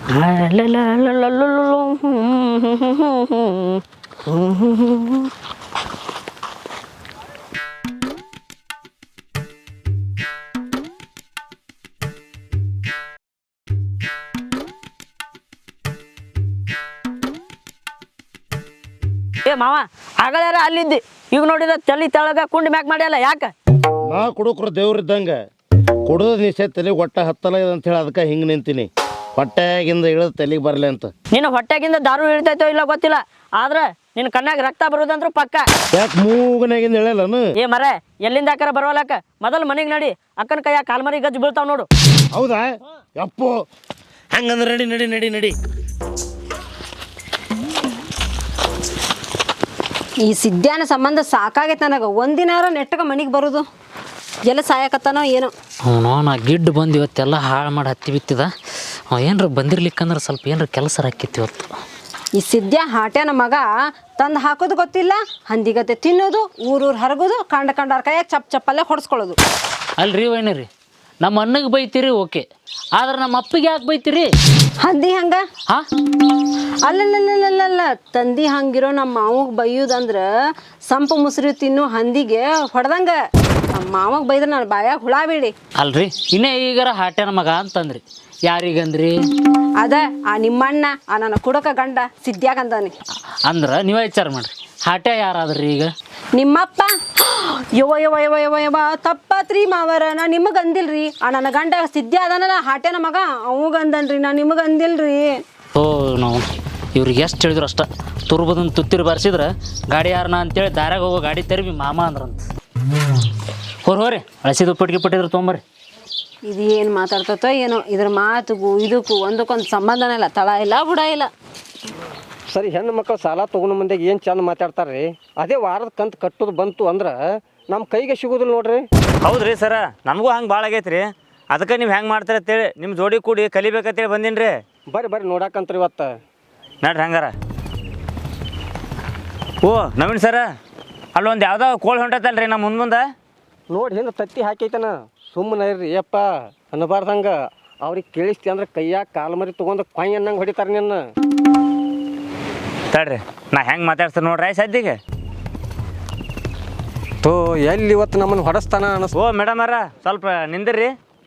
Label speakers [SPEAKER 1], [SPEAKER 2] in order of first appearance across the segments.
[SPEAKER 1] ಏ ಮಾವ ಆಗಳಾರ ಅಲ್ಲಿದ್ದಿ ಈಗ ನೋಡಿದ ತಲೆ ತೆಳಗ ಕುಂಡಿ ಮ್ಯಾಕ್ ಮಾಡ್ಯಲ್ಲ ಯಾಕ
[SPEAKER 2] ನಾ ಕುಡುಕ್ರು ದೇವ್ರಿದ್ದಂಗೆ ಕುಡಿದ ನಿಷೆ ತಲೆಗೆ ಹೊಟ್ಟೆ ಹತ್ತಲ್ಲ ಅಂತ ಹೇಳಿ ಅದಕ್ಕೆ ಹಿಂಗೆ ನಿಂತೀನಿ ಹೊಟ್ಟೆಗಿಂದ ಇಳಿದು ತಲೆಗೆ ಬರಲಿ ಅಂತ
[SPEAKER 1] ನಿನ್ನ ಹೊಟ್ಟೆಗಿಂದ ದಾರು ಇಳಿತೈತೋ ಇಲ್ಲ ಗೊತ್ತಿಲ್ಲ ಆದ್ರೆ ನಿನ್ನ ಕಣ್ಣಾಗ ರಕ್ತ ಬರೋದಂದ್ರು ಪಕ್ಕ
[SPEAKER 2] ಯಾಕೆ ಮೂಗನಾಗಿಂದ ಹೇಳಲ್ಲನು
[SPEAKER 1] ಏ ಮರ ಎಲ್ಲಿಂದ ಆಕಾರ ಬರೋಲಕ್ಕ ಮೊದಲು ಮನೆಗೆ ನಡಿ ಅಕ್ಕನ ಕೈಯಾಗ ಕಾಲ್ಮರಿ ಗಜ್ಜು ಬೀಳ್ತಾವ ನೋಡು
[SPEAKER 2] ಹೌದಾ ಯಪ್ಪು ಹಂಗಂದ್ರೆ ನಡಿ ನಡಿ ನಡಿ ನಡಿ
[SPEAKER 3] ಈ ಸಿದ್ಧಾನ ಸಂಬಂಧ ಸಾಕಾಗೈತೆ ನನಗೆ ಒಂದಿನಾರ ನೆಟ್ಟಗೆ ಮನೆಗೆ ಬರೋದು ಎಲ್ಲ ಸಾಯಕತ್ತಾನೋ ಏನೋ
[SPEAKER 4] ಅವನು ನಾ ಗಿಡ್ಡು ಬಂದು ಇವತ್ತೆಲ್ಲ ಹಾಳು ಮಾಡಿ ಹತ್ತಿ ಬಿತ್ತಿದ ಏನ್ರ ಬಂದಿರ್ಲಿಕ್ಕಂದ್ರೆ ಸ್ವಲ್ಪ ಏನ್ರ ಕೆಲಸ ಹಾಕಿತ್ತು ಇವತ್ತು
[SPEAKER 3] ಈ ಸಿದ್ಧ ಹಾಟ್ಯಾನ ಮಗ ತಂದು ಹಾಕೋದು ಗೊತ್ತಿಲ್ಲ ಹಂದಿಗತ್ತೆ ತಿನ್ನೋದು ಊರೂರು ಹರಗೋದು ಕಂಡಾರ ಕೈಯಾಗ ಚಪ್ಪಲ್ಲೇ ಹೊಡ್ಸ್ಕೊಳ್ಳೋದು
[SPEAKER 4] ಅಲ್ರಿ ವೈನರಿ ನಮ್ಮ ಅಣ್ಣಗೆ ಬೈತೀರಿ ಓಕೆ ಆದ್ರೆ ನಮ್ಮ ಅಪ್ಪಿಗೆ ಯಾಕೆ ಬೈತೀರಿ
[SPEAKER 3] ಹಂದಿ ಹಂಗ
[SPEAKER 4] ಹಾಂ
[SPEAKER 3] ಅಲ್ಲಲ್ಲ ತಂದಿ ಹಂಗಿರೋ ನಮ್ಮ ಮಾವಗೆ ಬೈಯೋದಂದ್ರೆ ಸಂಪು ಮುಸುರಿ ತಿನ್ನು ಹಂದಿಗೆ ಹೊಡೆದಂಗ ನಮ್ಮ ಮಾವಗೆ ಬೈದ್ರೆ ನಾನು ಬಾಯಾಗ ಹುಳ ಬೀಳಿ
[SPEAKER 4] ಅಲ್ರಿ ಇನ್ನೇ ಈಗಾರ ಹಾಟ್ಯಾನ ಮಗ ಅಂತಂದ್ರಿ ಯಾರಿಗಂದ್ರಿ
[SPEAKER 3] ಅದ ಆ ನಿಮ್ಮಣ್ಣ ಆ ನನ್ನ ಕುಡಕ ಗಂಡ ಸಿದ್ಯಾಗಂದಾನೆ
[SPEAKER 4] ಅಂದ್ರೆ ನೀವೇ ವಿಚಾರ ಮಾಡ್ರಿ ಹಾಟ್ಯ ಯಾರಾದ್ರಿ ಈಗ
[SPEAKER 3] ನಿಮ್ಮಪ್ಪ ಯವ ತಪ್ಪತ್ರಿ ಮಾವರ ನಾ ನಿಮಗೆ ಅಂದಿಲ್ರಿ ಆ ನನ್ನ ಗಂಡ ಸಿದ್ಯ ಅದಾನಲ್ಲ ಹಾಟ್ಯಾನ ಮಗ ಅವಾಗ ಅಂದನ್ರಿ ನಾ ನಿಮಗೆ ಅಂದಿಲ್ರಿ
[SPEAKER 4] ಓ ನಾವು ಇವ್ರಿಗೆ ಎಷ್ಟು ಹೇಳಿದ್ರು ಅಷ್ಟ ತುರ್ಬದನ್ನು ತುತ್ತಿರಿ ಬಾರಿಸಿದ್ರೆ ಗಾಡಿ ಯಾರನ ಅಂತೇಳಿ ದಾರ್ಯಾಗ ಹೋಗೋ ಗಾಡಿ ತೆರವಿ ಮಾಮ ಅಂದ್ರಂತ ಹೋರಿ ಅಳಸಿದ ಉಪ್ಪಿಟ್ಟಿಗೆ ಪಟ್ಟಿದ್ರು ತೊಗೊಂಬರ್ರಿ
[SPEAKER 3] ಇದು ಏನು ಮಾತಾಡ್ತತೋ ಏನೋ ಇದ್ರ ಮಾತುಗೂ ಇದಕ್ಕೂ ಒಂದಕ್ಕೊಂದು ಸಂಬಂಧನೇ ಇಲ್ಲ ತಳ ಇಲ್ಲ ಬುಡ ಇಲ್ಲ
[SPEAKER 5] ಸರಿ ಹೆಣ್ಣು ಮಕ್ಕಳು ಸಾಲ ತೊಗೊಂಡು ಮುಂದೆಗೆ ಏನು ಚಂದ ಮಾತಾಡ್ತಾರೆ ರೀ ಅದೇ ವಾರದ ಕಂತು ಕಟ್ಟೋದು ಬಂತು ಅಂದ್ರೆ ನಮ್ಮ ಕೈಗೆ ಸಿಗೋದಿಲ್ಲ ನೋಡ್ರಿ
[SPEAKER 6] ಹೌದ್ರಿ ಸರ ನಮಗೂ ಹಂಗೆ ಭಾಳ ಆಗೈತೆ ರೀ ಅದಕ್ಕೆ ನೀವು ಹೆಂಗೆ ಮಾಡ್ತೀರ ಅಂತೇಳಿ ನಿಮ್ಮ ಜೋಡಿ ಕೂಡಿ ಕಲಿಬೇಕಂತೇಳಿ ಬಂದೀನಿ ರೀ
[SPEAKER 5] ಬರ್ರಿ ನೋಡಾಕಂತ್ರಿ ಇವತ್ತು
[SPEAKER 6] ನಡ್ರಿ ಹಂಗಾರ ಓ ನವೀನ್ ಸರ ಅಲ್ಲೊಂದು ಯಾವುದೋ ಕೋಳಿ ಹೊಂಟೈತಲ್ರಿ ನಮ್ಮ ಮುಂದೆ
[SPEAKER 5] ನೋಡಿ ಹಿಂದೆ ತತ್ತಿ ಹಾಕೈತನ ಸುಮ್ಮನೆ ಇರ್ರಿ ಯಪ್ಪ ಅನ್ನಬಾರ್ದಂಗೆ ಅವ್ರಿಗೆ ಕೇಳಿಸ್ತಿ ಅಂದ್ರೆ ಕೈಯಾಗ ಕಾಲು ಮರಿ ತೊಗೊಂಡು ಕೊಯ್ ಅನ್ನಂಗೆ ಹೊಡಿತಾರೆ ನಿನ್ನ
[SPEAKER 6] ತಡ್ರಿ ನಾ ಹೆಂಗೆ ಮಾತಾಡ್ತೀನಿ ನೋಡ್ರಿ ಸದ್ಯಗೆ
[SPEAKER 5] ತೋ ಎಲ್ಲಿ ಇವತ್ತು ನಮ್ಮನ್ನು ಹೊಡೆಸ್ತಾನ ಅನಿಸ್
[SPEAKER 6] ಓ ಮೇಡಮ್ ಅರ ಸ್ವಲ್ಪ ನಿಂದಿರ್ರಿ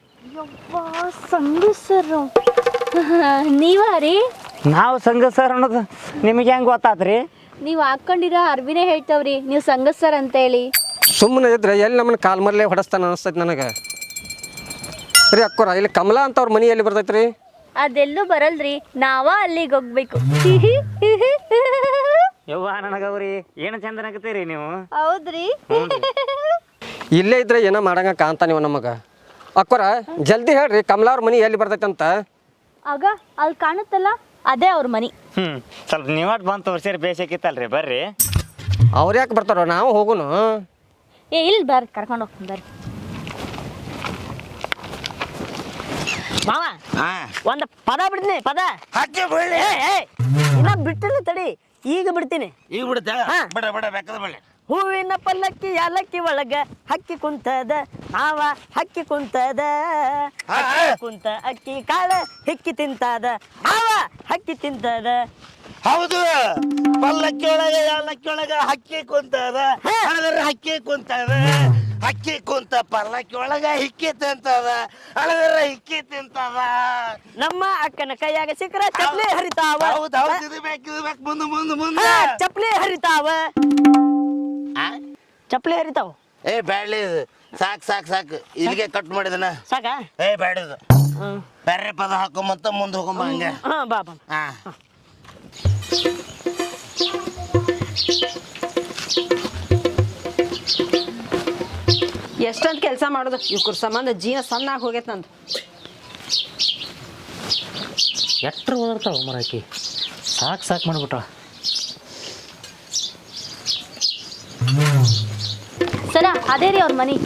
[SPEAKER 7] ಸಂಗಸರು ನೀವ ರೀ
[SPEAKER 6] ನಾವು ಸಂಘ ಸರ್ ಅನ್ನೋದು ನಿಮಗೆ ಹೆಂಗೆ ಗೊತ್ತಾತ್ರಿ
[SPEAKER 7] ನೀವು ಹಾಕೊಂಡಿರೋ ಅರ್ವಿನೇ ಹೇಳ್ತಾವ್ರಿ ನೀವು ಸಂಗತ್ ಸರ್ ಅಂತ ಹೇಳಿ
[SPEAKER 5] ಸುಮ್ಮನೆ ಇದ್ರೆ ಎಲ್ಲಿ ನಮ್ಮನ್ನು ಕಾಲು ಮರಲೇ ಹೊಡೆಸ್ತಾನ ಅನಿಸ್ತೈತಿ ನನಗೆ ರೀ ಅಕ್ಕೋರ ಇಲ್ಲಿ ಕಮಲಾ ಅಂತ ಅವ್ರ ಮನೆ ಎಲ್ಲಿ ಬರ್ತೈತೆ ರೀ
[SPEAKER 7] ಅದೆಲ್ಲೂ ಬರಲ್ರಿ ನಾವ ಅಲ್ಲಿಗೆ ಹೋಗ್ಬೇಕು
[SPEAKER 6] ಯವ್ವ ನನಗವ್ರಿ ಏನು ಚಂದನಾಗತ್ತೀರಿ ನೀವು
[SPEAKER 7] ಹೌದ್ರಿ
[SPEAKER 5] ಇಲ್ಲೇ ಇದ್ರೆ ಏನೋ ಮಾಡಂಗ ಕಾಣ್ತಾ ನೀವು ನಮಗೆ ಅಕ್ಕೋರ ಜಲ್ದಿ ಹೇಳ್ರಿ ಕಮಲಾ ಅವ್ರ ಮನೆ ಎಲ್ಲಿ ಬರ್ತೈತೆ ಅಂತ
[SPEAKER 7] ಆಗ ಅಲ್ಲಿ ಕಾಣುತ್ತಲ್ಲ ಅದೇ ಅವ್ರ ಮನಿ
[SPEAKER 6] ಸ್ವಲ್ಪ ನೀವಾಟ್ ಬಂದು ತೋರಿಸಿರಿ ಬೇಸಕ್ಕಿತ್ತಲ್ರಿ ಬರ್ರಿ
[SPEAKER 5] ಅವ್ರು ಯಾಕೆ ಬರ್ತಾರೋ ನಾವು ಹೋಗುನು
[SPEAKER 7] ಏ ಇಲ್ಲಿ ಬರ್ರಿ ಕರ್ಕೊಂಡು ಹೋಗ್ತೀನಿ ಬರ್ರಿ
[SPEAKER 1] ಮಾವ ಒಂದು ಪದ ಬಿಡ್ತೀನಿ ಪದ ಇನ್ನ ಬಿಟ್ಟಿಲ್ಲ ತಡಿ ಈಗ ಬಿಡ್ತೀನಿ
[SPEAKER 2] ಈಗ ಬಿಡುತ್ತೆ ಬಡ ಬಡ ಬೇಕಾದ ಬಳ್ಳಿ
[SPEAKER 1] ಹೂವಿನ ಪಲ್ಲಕ್ಕಿ ಯಾಲಕ್ಕಿ ಒಳಗ ಹಕ್ಕಿ ಕುಂತದ ಮಾವ ಹಕ್ಕಿ ಕುಂತದ ಕುಂತ ಅಕ್ಕಿ ಕಾಳ ಹಿಕ್ಕಿ ತಿಂತದ ಮಾವ ಹಕ್ಕಿ ತಿಂತದ
[SPEAKER 2] ಹೌದು ಪಲ್ಲಕ್ಕಿ ಒಳಗೆ ಯಾಲಕ್ಕಿ ಒಳಗ ಹಕ್ಕಿ ಕುಂತದ ಹಕ್ಕಿ ಕುಂತದ ಹಕ್ಕಿ ಕುಂತ ಪಲ್ಲಕ್ಕಿ ಒಳಗ ಹಿಕ್ಕಿ ತಿಂತದ ಅಳದ್ರ ಹಿಕ್ಕಿ ತಿಂತದ
[SPEAKER 1] ನಮ್ಮ ಅಕ್ಕನ ಕೈಯಾಗ ಸಿಕ್ಕರ ಚಪ್ಲಿ ಹರಿತಾವ
[SPEAKER 2] ಹೌದು ಹೌದು ಇದು ಬೇಕು ಮುಂದೆ ಮುಂದೆ ಮುಂದೆ
[SPEAKER 1] ಚಪ್ಲಿ ಹರಿತಾವ ಚಪ್ಲಿ ಹರಿತಾವ
[SPEAKER 2] ಏ ಬ್ಯಾಡ್ಲಿ ಸಾಕು ಸಾಕು ಸಾಕು ಇಲ್ಲಿಗೆ ಕಟ್ ಮಾಡಿದನ
[SPEAKER 1] ಸಾಕ
[SPEAKER 2] ಏ ಬ್ಯಾಡಿದು ಬೇರೆ ಪದ ಹಾಕೊಂಬಂತ ಮುಂದೆ ಹೋಗೊಂಬ ಹಂಗೆ
[SPEAKER 1] ಹಾ ಬಾಬಾ
[SPEAKER 2] ಹಾ
[SPEAKER 3] ಎಷ್ಟೊಂದು ಕೆಲಸ ಮಾಡೋದು ಇವ್ರ ಸಂಬಂಧ ಜೀವ ಸಣ್ಣಾಗಿ ಹೋಗೈತೆ ನಂದು
[SPEAKER 4] ಎಟ್ರ ಓದಾಡ್ತಾವ ಮರಾಕಿ ಸಾಕು ಮಾಡ್ಬಿಟ್ಟ
[SPEAKER 7] ಸರ ಅದೇ ರೀ ಅವ್ರ ಮನಿ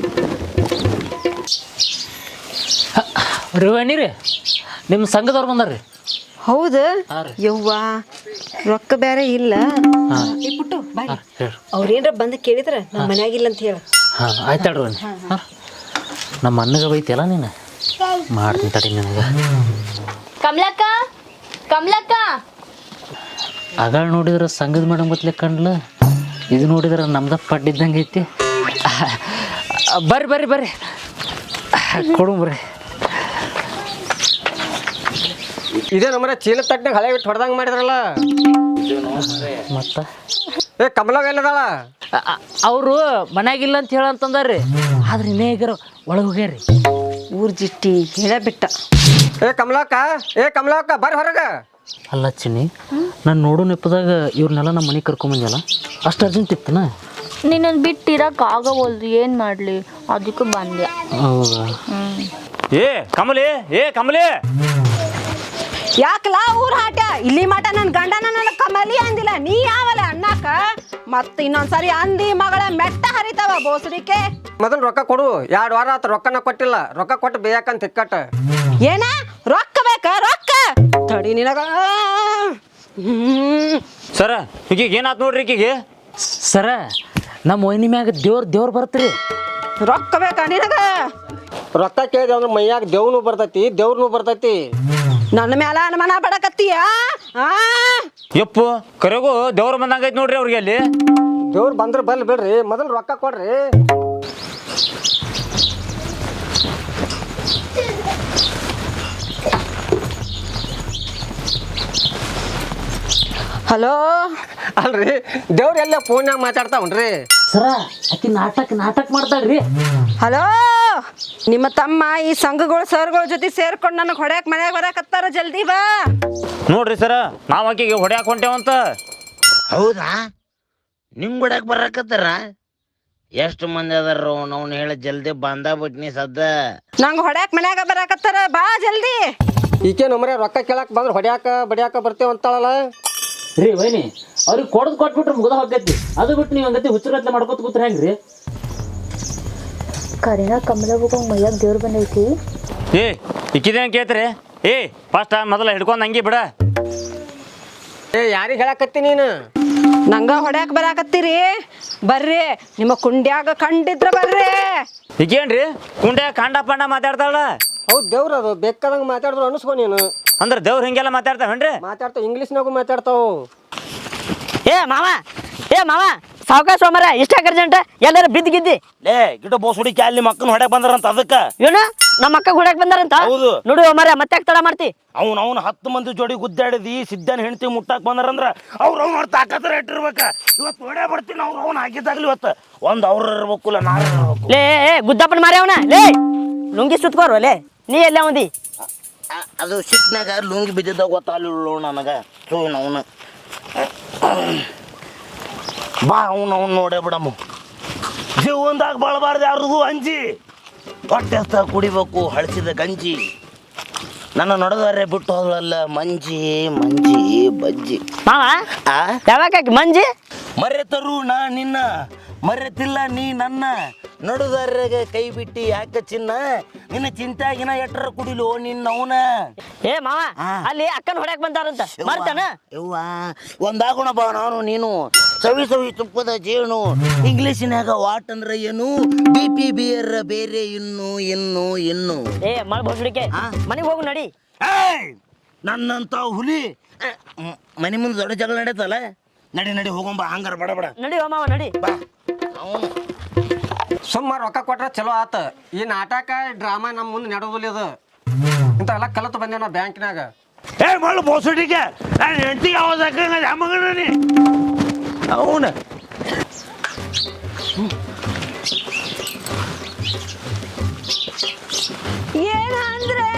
[SPEAKER 4] ರೀ ನಿಮ್ಮ ಸಂಘದವ್ರು ಬಂದಾರ್ರಿ
[SPEAKER 3] ಹೌದು ಯವ್ವ ರೊಕ್ಕ ಬೇರೆ ಇಲ್ಲ ಈ ಪುಟ್ಟು ಬಾಯ್ ಅವ್ರೇನ್ರ ಬಂದು ಕೇಳಿದ್ರ ನಮ್ಮ ಮನ್ಯಾಗಿಲ್ಲ ಅಂತ ಹೇಳ
[SPEAKER 4] ಹಾಂ ಆಯ್ತಾಡ್ರಿ ನಮ್ಮ ಅಣ್ಣಗೆ ಬೈತಿಯಲ್ಲ ನೀನು ಮಾಡ್ತೀನಿ ತಡಿ ನಿನಗೆ
[SPEAKER 7] ಕಮಲಕ್ಕ ಕಮಲಕ್ಕ
[SPEAKER 4] ಆಗಳ ನೋಡಿದ್ರೆ ಸಂಘದ ಮೇಡಮ್ ಗೊತ್ತಲೆ ಕಂಡ್ಲ, ಇದು ನೋಡಿದ್ರೆ ನಮ್ದ ಪಡ್ಡಿದ್ದಂಗೆ ಐತಿ. ಬರ್ರಿ ಬರ್ರಿ ಬರ್ರಿ ಕೊಡು ಬರ್ರಿ.
[SPEAKER 5] ಇದೇ ನಮ್ಮನೆ ಚೀಲ ತಟ್ಟನಾಗ ಹಳೆ ಬಿಟ್ಟು ಹೊಡೆದಂಗೆ ಮಾಡಿದ್ರಲ್ಲ.
[SPEAKER 4] ಮತ್ತು
[SPEAKER 5] ಕಮಲಾಗ ಎಲ್ಲದಾಳ?
[SPEAKER 4] ಅವರು ಮನ್ಯಾಗಿಲ್ಲ ಅಂತ ಹೇಳಂತಂದಾರ್ರಿ, ಆದ್ರೆ ಇನ್ನೇ ಈಗಾರ ಒಳಗೆ ಹೋಗ್ಯಾರಿ.
[SPEAKER 3] ಊರ್ ಜಿಟ್ಟಿ ಹೇಳೇ ಬಿಟ್ಟ.
[SPEAKER 5] ಕಮಲಾಕ ಬರ್ರಿ ಹೊರಗ.
[SPEAKER 4] ಅಲ್ಲ ಚಿನ್ನಿ, ನಾನು ನೋಡೋ ನೆಪದಾಗ ಇವ್ರನ್ನೆಲ್ಲ ನಮ್ಮ ಮನೆಗೆ ಕರ್ಕೊಂಬಂದಲ್ಲ, ಅಷ್ಟು ಅರ್ಜೆಂಟ್ ಇತ್ತನ?
[SPEAKER 7] ನಿನ್ನನ್ನು ಬಿಟ್ಟು ಇರಕ್ಕೆ ಆಗವಲ್ದು, ಏನು ಮಾಡಲಿ, ಅದಕ್ಕೆ ಬಂದೆ.
[SPEAKER 4] ಹೌದಾ?
[SPEAKER 6] ಏ ಕಮಲಿ
[SPEAKER 3] ಯಾಕಲ ಊರ್ ಹಾಟ ಇಲ್ಲಿ ಮಟ ನನ್ ಗಂಡನ ನನ್ನ ಕಮಲಿ ಅಂದಿಲ್ಲ, ನೀ ಯಾವಲ್ಲ ಅಣ್ಣಾಕ? ಮತ್ತ ಇನ್ನೊಂದ್ಸರಿ ಅಂದಿ ಮಗಳ ಮೆಟ್ಟ ಹರಿತಾವ ಬೋಸಡಿಕೆ.
[SPEAKER 5] ಮೊದಲು ರೊಕ್ಕ ಕೊಡು. 2 ವಾರ ಆತ ರೊಕ್ಕನ ಕೊಟ್ಟಿಲ್ಲ. ರೊಕ್ಕ ಕೊಟ್ಟು ಬೇಕಂತ ತಿಕ್ಕಟ್ಟ.
[SPEAKER 3] ಏನ ರೊಕ್ಕ ಬೇಕ? ರೊಕ್ಕ ತಡಿ ನಿನಗ.
[SPEAKER 6] ಸರ ಈಗೀಗ ಏನಾಯ್ತು ನೋಡ್ರಿ ಈಕಿಗೆ?
[SPEAKER 4] ಸರ, ನಮ್ಮ ಒಯ್ನಿ ಮ್ಯಾಗ ದೇವ್ರು ಬರ್ತೀರಿ.
[SPEAKER 3] ರೊಕ್ಕ ಬೇಕಾ ನಿನಗ?
[SPEAKER 5] ರೊಕ್ಕ ಕೇಳಿದೆ ಅಂದ್ರೆ ಮೈಯಾಗ ದೇವ್ನು ಬರ್ತೈತಿ, ದೇವ್ರನು ಬರ್ತೈತಿ.
[SPEAKER 3] ನನ್ನ ಮ್ಯಾಲ ಅನುಮಾನ ಪಡಕತ್ತೀಯ?
[SPEAKER 6] ಯಪ್ಪು ಕರೆಗೂ ದೇವ್ರ ಬಂದಂಗೈತಿ ನೋಡ್ರಿ ಅವ್ರಿಗೆ ಅಲ್ಲಿ.
[SPEAKER 5] ದೇವ್ರು ಬಂದ್ರೆ ಬರ್ಲಿ ಬಿಡ್ರಿ, ಮೊದಲು ರೊಕ್ಕ ಕೊಡ್ರಿ.
[SPEAKER 3] ಹಲೋ,
[SPEAKER 5] ಅಲ್ರಿ ದೇವ್ರು ಎಲ್ಲ ಫೋನ್ಯಾಗ ಮಾತಾಡ್ತಾವನ್ರಿ.
[SPEAKER 4] ಸರ, ಆಕಿ ನಾಟಕ ಮಾಡ್ತಾಳ್ರಿ.
[SPEAKER 3] ಹಲೋ, ನಿಮ್ಮ ತಮ್ಮ ಈ ಸಂಘಗಳ ಸರ್ಗಳ ಜೊತೆ ಸೇರ್ಕೊಂಡು ನನಗೆ ಹೊಡ್ಯಾಕ್ ಮನ್ಯಾಗ ಬರಾಕತ್ತಾರ, ಜಲ್ದಿ ಬಾ.
[SPEAKER 6] ನೋಡ್ರಿ ಸರ, ನಾವು ಆಕಿಗೆ ಹೊಡ್ಯಾಕ್ ಹೊಂಟೇವಂತ.
[SPEAKER 2] ಹೌದಾ? ನಿಮ್ ಗುಡಕ್ ಬರಕತ್ತಾರ? ಎಷ್ಟು ಮಂದಿ ಅದಾರ ಅವ್ನು ಹೇಳ ಜಲ್ದಿ ಬಂದ ಬಿಟ್ನಿ ಸದ್ದ.
[SPEAKER 3] ನಂಗೆ ಹೊಡ್ಯಾಕ್ ಮನ್ಯಾಗ ಬರಾಕತ್ತಾರ, ಬಾ ಜಲ್ದಿ.
[SPEAKER 5] ಈಕೆ ನಮ್ಮನೆ ರೊಕ್ಕ ಕೇಳಕ್ ಬಂದ್ರೆ ಹೊಡ್ಯಾಕ ಬಡಿಯಾಕ ಬರ್ತೇವ ಅಂತಾಳಲ್ಲ.
[SPEAKER 4] ರೀ ವೈನಿ, ಅವ್ರಿಗೆ ಕೊಟ್ಬಿಟ್ರೆ ಮುಗ್ದ ಹೋಗೈತಿ. ಅದು ಬಿಟ್ಟು ನೀವು ಹಂಗತಿ ಹುಚ್ಚರತ್ಲೆ ಮಾಡ್ಕೊತ ಕೂತ್ರೆ ಹೆಂಗ್ರಿ?
[SPEAKER 7] ಕರಿನ ಕಮಲ ಹೋಗಂಗೆ ಮೈಯಾಗ ದೇವ್ರು ಬಂದೈತಿ.
[SPEAKER 6] ಇಕ್ಕಿದೇನು ಕೇಳ್ತೀರಿ? ಫಸ್ಟ್ ಮೊದಲ ಹಿಡ್ಕೊಂಡು ಹಂಗೆ ಬಿಡ.
[SPEAKER 5] ಯಾರಿಗೆ ಹೇಳಕತ್ತಿ ನೀನು?
[SPEAKER 3] ನಂಗ ಹೊಡ್ಯಾಕ್ ಬರಾಕತ್ತೀರಿ? ಬರ್ರಿ, ನಿಮ್ಮ ಕುಂಡ್ಯಾಗ ಕಂಡಿದ್ರ ಬರ್ರಿ.
[SPEAKER 6] ಈಗೇನ್ರಿ ಕುಂಡ್ಯಾಗ ಕಾಂಡ ಪಾಂಡ ಮಾತಾಡ್ತಾಳ?
[SPEAKER 5] ಹೌದು, ದೇವ್ರ ಅದು ಬೇಕಾದಂಗೆ ಮಾತಾಡಿದ್ರು ಅನಿಸ್ಕೊ ನೀನು.
[SPEAKER 6] ಅಂದ್ರೆ ದೇವ್ರು ಹಿಂಗೆಲ್ಲ ಮಾತಾಡ್ತಾವೇನ್ರಿ?
[SPEAKER 5] ಮಾತಾಡ್ತಾವ, ಇಂಗ್ಲೀಷ್ನಾಗೂ ಮಾತಾಡ್ತಾವ.
[SPEAKER 1] ಏ ಮಾವ ಸಾವ್ಕಾಶ ಸೋಮರ ಇಷ್ಟ ಅರ್ಜೆಂಟ್ ಎಲ್ಲಾರು ಬಿದ್ದಿಗಿದ್ದಿ.
[SPEAKER 2] ಲೇ ಗಿಡ ಬೋಸ್ ಹುಡುಕಿ ಅಲ್ಲಿ ಮಕ್ಕಳು ಹೊಡ್ಯಾಕ್ ಬಂದಾರಂತ ಅದಕ್ಕ.
[SPEAKER 1] ಏನು ನಮ್ಮ ಅಕ್ಕ ಹೊಡ್ಯಾಕ್ ಬಂದಾರಂತ?
[SPEAKER 2] ಹೌದು.
[SPEAKER 1] ನೋಡು ಮರ ಮತ್ತೆ ತಡ ಮಾಡ್ತಿ.
[SPEAKER 2] ಅವ್ನು 10 ಮಂದಿ ಜೋಡಿ ಗುದ್ದಾಡಿದಿ ಸಿದ್ದನ ಹೆಂಡತಿ ಮುಟ್ಟಾಕ್ ಬಂದಾರಂದ್ರ ಅವ್ರ ತಾಕತ್ರ ಇಟ್ಟಿರ್ಬೇಕ. ಇವತ್ತು ಹೊಡ್ಯಾ ಬರ್ತೀನಿ. ಅವ್ನು ಹಾಕಿದ್ದಾಗ್ಲಿ ಇವತ್ತು ಅವ್ರ ಇರ್ಬೇಕಲ್ಲ, ನಾರ ಇರ್ಬೇಕು.
[SPEAKER 1] ಲೇ ಗುದ್ದಪ್ಪನ ಮಾರಿ ಅವನ ಲೇ ಲುಂಗಿ ಸುತ್ಕೋರು ಲೇ. ನೀ ಎಲ್ಲ ಒಂದಿ
[SPEAKER 2] ಅದು ಸಿಟ್ನಾಗ ಲುಂಗಿ ಬಿದ್ದಿದ್ದಾಗ ಗೊತ್ತಾಗಲಿಲ್ಲ ನನಗ. ಅವನು ಬಾ ಅವ್ನು ನೋಡೇ ಬಿಡಮ್ಮ. ಜೀವನದಾಗ ಬಳಬಾರ್ದು ಯಾರಿಗೂ ಅಂಜಿ. ಹೊಟ್ಟೆ ಕುಡಿಬೇಕು ಹಳಸಿದ ಗಂಜಿ. ನನ್ನ ನಡೆದಾರೆ ಬಿಟ್ಟು ಹೋದಲ್ಲ ಮಂಜಿ ಬಜ್ಜಿ.
[SPEAKER 1] ಮಾವ ಯಾವಾಗ ಮಂಜಿ
[SPEAKER 2] ಮರೆತರು ನಾ ನಿನ್ನ, ಮರೆತಿಲ್ಲ ನೀ ನನ್ನ. ನಡುದಾರ್ಯಾಗ ಕೈ ಬಿಟ್ಟಿ ಯಾಕೆ ಚಿನ್ನ, ನಿನ್ನ ಚಿಂತಾಗಿನ ಎಟ್ರ ಕುಡಿಲು ನಿನ್ನವನ.
[SPEAKER 1] ಏ ಮಾವ ಅಲ್ಲಿ ಅಕ್ಕನ ಹೊಡ್ಯಾಕ್ ಬಂದಾರಂತ ಮಾಡ್ತಾನ.
[SPEAKER 2] ಯವ್ವ ಒಂದಾಗೋಣ ಬಾ ನಾನು ನೀನು. ಸವಿ ತುಪ್ಪದ ಜೇನು. ಇಂಗ್ಲೀಷಿನಾಗ ವಾಟ್ ಅಂದ್ರೆ ಏನು, BP ಬಿಯರ್ ಬೇರೆ ಇನ್ನು.
[SPEAKER 1] ಏ ಮಳ ಬೋಸಡಿಕೆ ಮನೆಗೆ ಹೋಗು ನಡಿ.
[SPEAKER 2] ನನ್ನಂತ ಹುಲಿ ಮನೆ ಮುಂದೆ ದೊಡ್ಡ ಜಗಳ ನಡೆಯತ್ತಲ್ಲ. ನಡಿ ಹೋಗೊಂಬ ಹಂಗಾರ ಬಡ
[SPEAKER 1] ನಡಿ ಮಾವ ನಡಿ.
[SPEAKER 2] ಬಾ. ಅವನು
[SPEAKER 5] ಸುಮ್ಮ ರೊಕ್ಕ ಕೊಟ್ರೆ ಚಲೋ ಆತ. ಈ ನಾಟಕ ಡ್ರಾಮಾ ನಮ್ಮ ಮುಂದೆ ನಡೆಯೋದಿಲ್ಲ. ಇದು ಇಂಥವೆಲ್ಲ ಕಲಿತು ಬಂದೇವ ನಾವು ಬ್ಯಾಂಕ್ನಾಗ.
[SPEAKER 2] ಮಳ ಬೋಸಡಿಕೆ ನಾನು ಹೆಂಡತಿ ಯಾವ್ದು ಹಾಕಂಗ ಮಗನಿ ಅವನು.
[SPEAKER 3] ಏನಂದ್ರೆ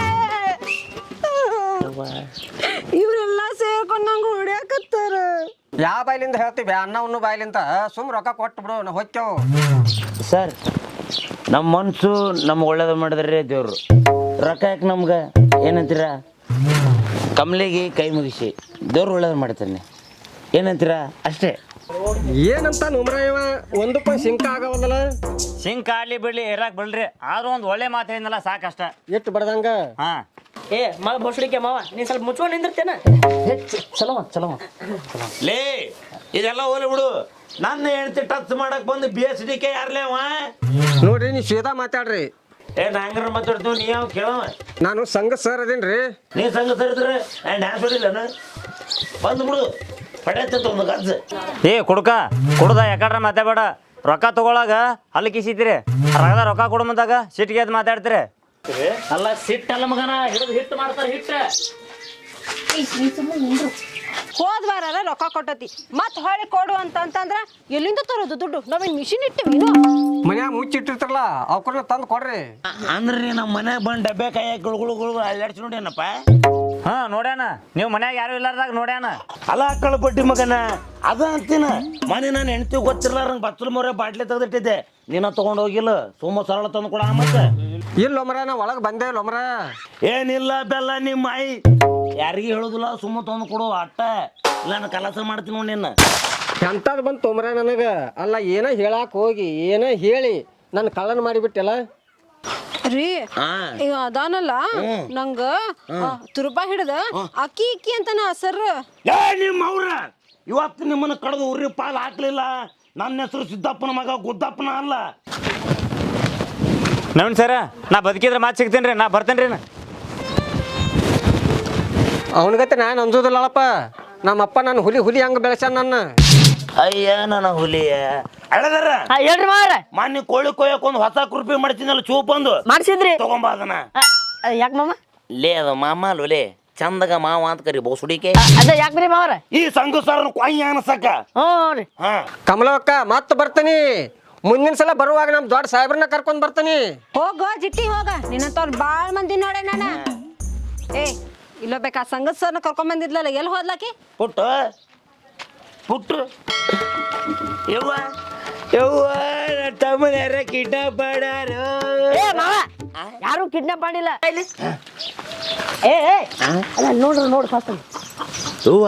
[SPEAKER 3] ಇವರೆಲ್ಲ ಸೇರ್ಕೊಂಡು ನಂಗೆ ಹೊಡ್ಯಾಕತ್ತಾರ.
[SPEAKER 5] ಯಾವ ಬಾಯ್ಲಿಂದ ಹೇಳ್ತೀವಿ? ಅನ್ನ ಬಾಯ್ಲಿಂದ. ಸುಮ್ ರೊಕ್ಕ ಕೊಟ್ಟು ಬಿಡು, ನಾವು ಹೋಗ್ತೇವು.
[SPEAKER 2] ಸರ್, ನಮ್ಮ ಮನ್ಸು ನಮ್ಗೆ ಒಳ್ಳೇದು ಮಾಡಿದ್ರೆ ದೇವ್ರು. ರೊಕ್ಕ ಯಾಕೆ ನಮ್ಗೆ ಏನಂತೀರ? ಕಮಲಿಗೆ ಕೈ ಮುಗಿಸಿ ದೇವ್ರು ಒಳ್ಳೇದು ಮಾಡ್ತಾನೆ ಏನಂತೀರ? ಅಷ್ಟೇ.
[SPEAKER 5] ಏನಂತ ನುಮ್ರಾಯವ 1 ರೂಪಾಯಿ ಸಿಂಕ ಆಗವಲ್ಲ.
[SPEAKER 6] ಸಿಂಕ್ ಆಡ್ಲಿ ಬಿಡ್ಲಿ ಇರಾಕ್ ಬಿಡ್ರಿ, ಆದ್ರೂ ಒಂದು ಒಳ್ಳೆ ಮಾತು ಹೇಳಿದ್ನಲ್ಲ ಸಾಕಷ್ಟ.
[SPEAKER 5] ಎಷ್ಟು ಬಡ್ದಂಗ.
[SPEAKER 6] ಹಾ
[SPEAKER 1] ಏ ಮಳ ಬೋಸಡಿಕೆ ಮಾವ ನೀ ಸ್ವಲ್ಪ ಮುಚ್ಕೊಂಡು ನಿಂದಿರ್ತೇನ.
[SPEAKER 4] ಚಲೋ
[SPEAKER 2] ಲೇ ಇದೆಲ್ಲ ಹೋಲಿ ಬಿಡು. ನನ್ನ ಹೆಂಡತಿ ಟಚ್ ಮಾಡಕ್ ಬಂದು BSDK ಯಾರ್ಲೇವ?
[SPEAKER 5] ನೋಡ್ರಿ, ನೀವು ಸೀದಾ ಮಾತಾಡ್ರಿ.
[SPEAKER 2] ನಾ ಹಂಗಾರ ಮಾತಾಡ್ತೀವಿ ನೀ ಯಾವ ಕೇಳವ
[SPEAKER 5] ನಾನು ಸಂಘ ಸರ್ ಅದೇನ್ರಿ.
[SPEAKER 2] ನೀ ಸಂಘ ಸರಿದ್ರೆ ಡ್ಯಾನ್ಸ್ ಹೊಡಿಲ್ಲನ ಬಂದ್ಬಿಡು ಪಡೆಯತ್ತ ಒಂದು ಗಜ್ಜ
[SPEAKER 6] ಏ ಕುಡ್ಕ ಕುಡ್ದ ಯಾಕಡ್ರ ಮಾತಾಡಬೇಡ. ರೊಕ್ಕ ತಗೊಳಾಗ ಹಲ್ಲು ಕಿಸಿತೀರಿ, ರಗದ ರೊಕ್ಕ ಕೊಡು ಮುಂದಾಗ ಸಿಟ್ಟಿಗೆ ಎದ್ದು ಮಾತಾಡ್ತೀರಿ.
[SPEAKER 4] ಅಲ್ಲ ಸಿಟ್ಟಲ್ಲ ಮಗನ, ಹಿಡಿದು ಹಿಟ್ಟು ಮಾಡ್ತಾರೆ ಹಿಟ್ಟು.
[SPEAKER 3] ಹೋದ್ ವಾರ ರೊಕ್ಕ ಕೊಟ್ಟತಿ ಮತ್ ಹೊಳಿ ಕೊಡು ಅಂತಂದ್ರ ಎಲ್ಲಿಂದ ತರೋದು ದುಡ್ಡು? ನಾವೇನ್ ಮಿಷಿನ್ ಇಟ್ಟಿವಿ
[SPEAKER 5] ಮನ್ಯಾಗ ಮುಚ್ಚಿಟ್ಟಿರ್ತಾರಲ್ಲ ಅವ್ಕರ್ನ ತಂದು ಕೊಡ್ರಿ.
[SPEAKER 2] ಅಂದ್ರೆ ನಮ್ಮ ಮನ್ಯಾಗ ಬಂದು ಡಬ್ಬೆ ಕಾಯ ಗುಳುಗುಳು ಅಲ್ಲಾಡ್ಸಿ ನೋಡ್ಯಾನಪ್ಪ.
[SPEAKER 6] ಹಾ ನೋಡ್ಯಾನ, ನೀವು ಮನ್ಯಾಗ ಯಾರು ಇಲ್ಲಾರ್ದಾಗ ನೋಡ್ಯಾನ.
[SPEAKER 2] ಅಲ್ಲ ಅಕ್ಕಳ ಬಡ್ಡಿ ಮಗನ ಅದ ಅಂತೀನ. ಮನೆ ನಾನು ಹೆಣ್ತಿ ಗೊತ್ತಿರ್ಲಾರಂಗೆ ಬಚ್ಚಲ ಮೊರೆ ಬಾಟ್ಲಿ ತೆಗೆದಿಟ್ಟಿದ್ದೆ, ನೀನ ತಗೊಂಡು ಹೋಗಿಲ್ಲ. ಸುಮ್ಮ ಸರಳ ತಂದು ಕೊಡ ಮತ್ತೆ.
[SPEAKER 5] ಇಲ್ಲೊಮ್ರ ನಾ ಒಳಗೆ ಬಂದೆ ಇಲ್ಲೊಮ್ರ.
[SPEAKER 2] ಏನಿಲ್ಲ ಬೆಲ್ಲ ನಿಮ್ಮ ಆಯಿ ಯಾರಿಗೂ ಹೇಳೋದಿಲ್ಲ, ಸುಮ್ಮ ತಂದು ಕೊಡು ಅಟ್ಟ. ಇಲ್ಲ ನಾನು ಕೆಲಸ ಮಾಡ್ತೀನಿ ನೋಡಿ ನಿನ್ನ.
[SPEAKER 5] ಎಂಥದ್ದು ಬಂತು ತೊಂಬ್ರ ನನಗ. ಅಲ್ಲ ಏನ ಹೇಳಾಕ ಹೋಗಿ ಏನ ಹೇಳಿ ನನ್ನ ಕಳ್ಳನ ಮಾಡಿಬಿಟ್ಟೆಲ್ಲ
[SPEAKER 3] ರೀ. ಈಗ ಅದಾನಲ್ಲ ನಂಗ ತುರುಬ ಹಿಡ್ದ ಅಕ್ಕಿ ಇಕ್ಕಿ ಅಂತಾನ ಸರ್.
[SPEAKER 2] ಏ ನಿಮ್ಮ ಅವ್ರ ಇವತ್ತು ನಿಮ್ಮನ್ನ ಕಡ್ದು ಉರಿ ಪಾಲ್ ಹಾಕ್ಲಿಲ್ಲ. ನನ್ನ ಹೆಸರು ಸಿದ್ದಪ್ಪನ ಮಗ ಗುದ್ದಪ್ಪನ ಅಲ್ಲ.
[SPEAKER 6] ನವೀನ್ ಸರ, ನಾ ಬದುಕಿದ್ರೆ ಮಾತು ಸಿಗ್ತೀನಿ ರೀ, ನಾ ಬರ್ತೇನೆ ರೀ.
[SPEAKER 5] ಅವನಿಗತ್ತೆ ನಾನು ಅನ್ಸೋದಿಲ್ಲಪ್ಪ. ನಮ್ಮಪ್ಪ ನನ್ನ ಹುಲಿ ಹಂಗ ಬೆಳೆಸ್ಯಾನ ನನ್ನ.
[SPEAKER 2] ಅಯ್ಯ ನನ್ನ ಹುಲಿಯ ಅಳದಾರ
[SPEAKER 1] ಹೇಳ್ರಿ ಮಾವ್ರ.
[SPEAKER 2] ಮಾನ್ಯ ಕೋಳಿ ಕೊಯ್ಯಕ್ ಒಂದು ಹೊಸ ಕೃಪಿ ಮಾಡ್ತೀನಲ್ಲ ಚೂಪ್ ಒಂದು
[SPEAKER 1] ಮಾಡ್ಸಿದ್ರಿ?
[SPEAKER 2] ತಗೊಂಬ ಅದನ್ನ.
[SPEAKER 1] ಯಾಕೆ ಮಾಮ?
[SPEAKER 2] ಲೇ ಅದು ಮಾಮ ಲೋಲೆ ಚಂದಗ ಮಾವ ಅಂತ ಕರಿ ಬೋಸುಡಿಕೆ.
[SPEAKER 1] ಅದ ಯಾಕ್ರಿ ಮಾವ್ರ?
[SPEAKER 2] ಈ ಸಂಘ ಸರ್ ಕೊಯ್ಯ ಅನ್ಸಕ್ಕ.
[SPEAKER 1] ಹ್ಞೂ ರೀ.
[SPEAKER 2] ಹಾ
[SPEAKER 5] ಕಮಲಕ್ಕ ಮತ್ತೆ ಬರ್ತೀನಿ. ಮುಂದಿನ ಸಲ ಬರುವಾಗ ನಮ್ಮ ದೊಡ್ಡ ಸಾಹೇಬ್ರನ್ನ ಕರ್ಕೊಂಡ್ ಬರ್ತೀನಿ.
[SPEAKER 3] ಹೋಗ ಜಿಟ್ಟಿ ಹೋಗ, ನಿನ್ನಂತವ್ರು ಬಾಳ ಮಂದಿ ನೋಡೆ ನಾನ. ಏ ಇಲ್ಲ ಬೇಕಾ ಸಂಗತ್ ಸರ್ನ ಕರ್ಕೊಂಡ್ ಬಂದಿದ್ಲಲ್ಲ, ಎಲ್ಲಿ ಹೋದ್ಲಾಕಿ?
[SPEAKER 2] ಪುಟ್ಟು ಪುಟ್ಟು ಯವ್ವ ಯವ್ವ ತಮ್ಮನ ಯಾರ ಕಿಡ್ನಾಪ್ ಮಾಡಾರು.
[SPEAKER 1] ಏ ಮಾವ, ಯಾರು ಕಿಡ್ನಾಪ್ ಮಾಡಿಲ್ಲ. ಏ ಅಲ್ಲ ನೋಡು ಫಸ್ಟ್.
[SPEAKER 2] ಯವ್ವ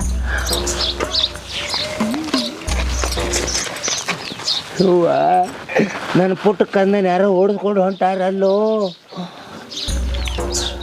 [SPEAKER 2] ಯವ್ವ ನನ್ನ ಪುಟ್ಟ ಕಂದನ ಯಾರೋ ಓಡಿಸ್ಕೊಂಡು ಹೊಂಟಾರಲ್ಲೋ.